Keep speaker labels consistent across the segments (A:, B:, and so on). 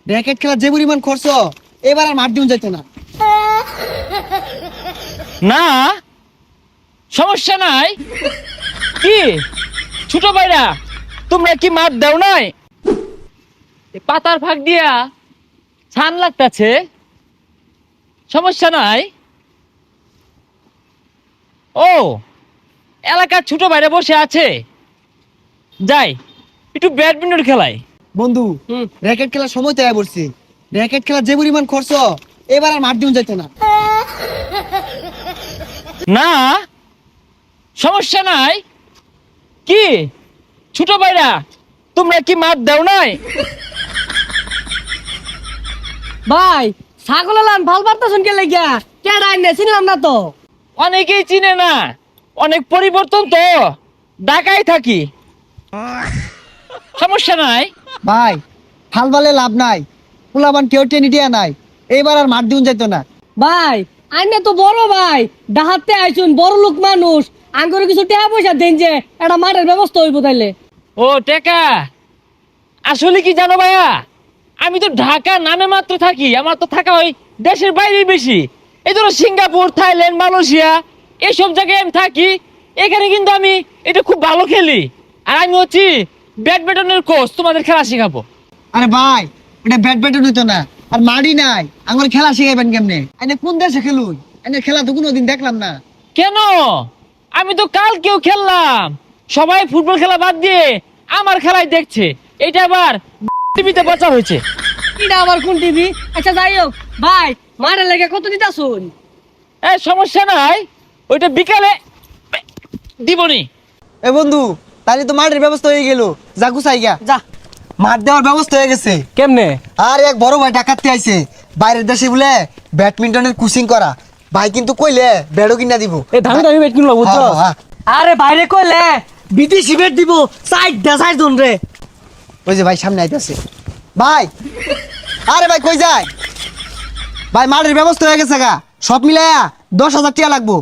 A: Racket খেলা যে পরিমাণ খরচ, এবার আর মাঠ দিন যাইতো না।
B: না সমস্যা নাই। কি ছোট ভাইরা, তোমরা কি মাঠ দাও নাই? পাতার ফাঁক দিয়া ছান লাগতাছে, সমস্যা নাই। ও এলাকার ছোট ভাইরা বসে আছে, যাই একটু ব্যাডমিন্টন খেলাই।
A: বন্ধু, র্যাকেট খেলার সময় তৈরি করছি। র্যাকেট খেলা যে পরিমাণ খরচ, এবার আর মাঠ দিন যাইতো না।
B: না সমস্যা নাই। কি ছোট ভাইরা, তোমরা কি মাঠ দাও নাই?
C: ভাই ছাগল লান ভাল পারতেছেন কে লাগিয়া কেডা আইনে চিনলাম না তো।
B: অনেকেই চিনে না, অনেক পরিবর্তন তো, ঢাকায় থাকি, সমস্যা নাই।
A: ভাই হাল বালে লাভ নাই, পোলাবান কেউ টেনে দিয়া নাই, এবার আর মাঠ দিন যাইতো না।
C: ভাই আইনে তো বড় ভাই, ডাহাতে আইছুন বড় লোক মানুষ, আঙ্গুরে কিছু টাকা পয়সা দেন যে একটা মাঠের ব্যবস্থা হইব তাইলে।
B: ও টেকা, আসলে কি জানো ভাইয়া, আমি তো ঢাকা নামে মাত্র থাকি, আমার তো থাকা হয় দেশের বাইরে বেশি। এই ধরো সিঙ্গাপুর, থাইল্যান্ড, মালয়েশিয়া এসব জায়গায় আমি থাকি। এখানে কিন্তু আমি এটা খুব ভালো খেলি, আর আমি হচ্ছি ব্যাডমিন্টনের কোচ, তোমাদের খেলা শেখাবো।
A: আরে ভাই, এটা ব্যাডমিন্টন হইতো না, আর মাঠই নাই, আমার খেলা শিখাইবেন কেমনে? এনে কোন দেশে খেলুন? এনে খেলা তো কোনোদিন দেখলাম না।
B: কেন? আমি তো কালকেও খেললাম, সবাই ফুটবল খেলা বাদ দিয়ে আমার খেলাই দেখছে। এটা আবার টিভিতে প্রচার হয়েছে।
C: এটা আবার কোন টিভি? আচ্ছা যাই হোক ভাই, মাঠের লেগে কত দিতাছুন?
B: সমস্যা নাই, ওইটা বিকালে দিবনি।
A: এ বন্ধু, তাহলে তো মাঠের ব্যবস্থা হয়ে গেল, যা গুছাই গা।
C: যা।
A: মাঠ দেওয়ার ব্যবস্থা হয়ে গেছে।
C: কেমনে?
A: আর এক বড় ভাই ডাকাতে আইছে, বাইরের দেশে বলে ব্যাডমিন্টনের কোচিং করা। ভাই কিন্তু কইলে ব্যাডও কিনা দিব।
C: এ দামি দামি বেট কিনলো বুঝছো?
A: হ্যাঁ, হ্যাঁ।
C: আরে বাইরে কইলে বিদেশি বেট দিব, সাইড জন রে।
A: ওই যে ভাই সামনে আইতাছে। ভাই, আরে ভাই কই যায়? ভাই মাঠের ব্যবস্থা হয়ে গেছে গা, সব মিলায়া 10,000 টাকা লাগবো।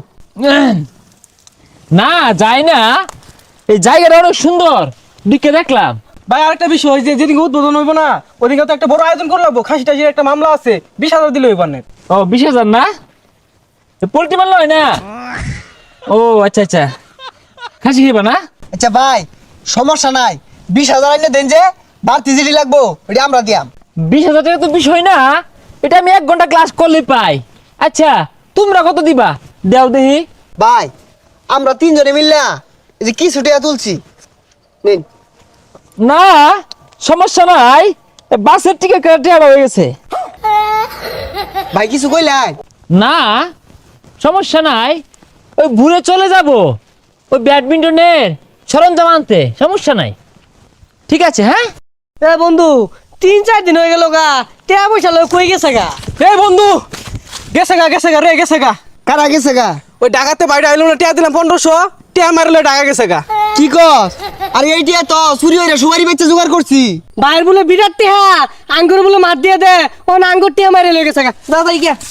B: না যায় না, এই জায়গাটা অনেক সুন্দর, দিকে দেখলাম।
D: ভাই আরেকটা বিষয়, যে যেদিন উদ্বোধন হইব না, ওদিকে তো একটা বড় আয়োজন করে লাগবো। খাসি টাসির একটা মামলা আছে, 20,000 দিলে হইবার না।
B: ও 20,000 না, পোল্ট্রি মারল হয় না? ও আচ্ছা আচ্ছা, খাসি খেবা না?
A: আচ্ছা ভাই, সমস্যা নাই, 20,000 আইনে দেন, যে বাড়তি জিডি লাগবো ওটা আমরা দিয়াম।
B: 20,000 টাকা তো বিষয় না, এটা আমি 1 ঘন্টা ক্লাস করলে পাই। আচ্ছা তোমরা কত দিবা দেও দেখি।
A: ভাই আমরা 3 জনে মিললা এই যে কিছু টাকা তুলছি, নিন।
B: না সমস্যা নাই, বাসের টিকিট কেটে হয়ে গেছে।
A: ভাই কিছু কইলাই?
B: না সমস্যা নাই, ওই ঘুরে চলে যাব ওই ব্যাডমিন্টনের সরঞ্জাম আনতে, সমস্যা নাই। ঠিক আছে হ্যাঁ।
C: এ বন্ধু 3-4 দিন হয়ে গেল গা, টাকা পয়সা লয় কই গেছে গা?
D: এই বন্ধু, গেছে গা রে, গেছে গা।
A: কারা গেছে গা?
D: ওই ডাকাতে বাইরে আইলো না, টিয়া দিলাম 1500, টিয়া মারলে ডাকা গেছে গা।
A: কি কস? আরে এইটা তো চুরি হইরা সুপারি বেচে জোগাড় করছি।
C: বাইর বলে বিরাট টিহা, আঙ্গুর বলে মার দিয়ে দে, ও আঙ্গুর টিহা মারে লয়ে গেছে গা। দাদা গিয়া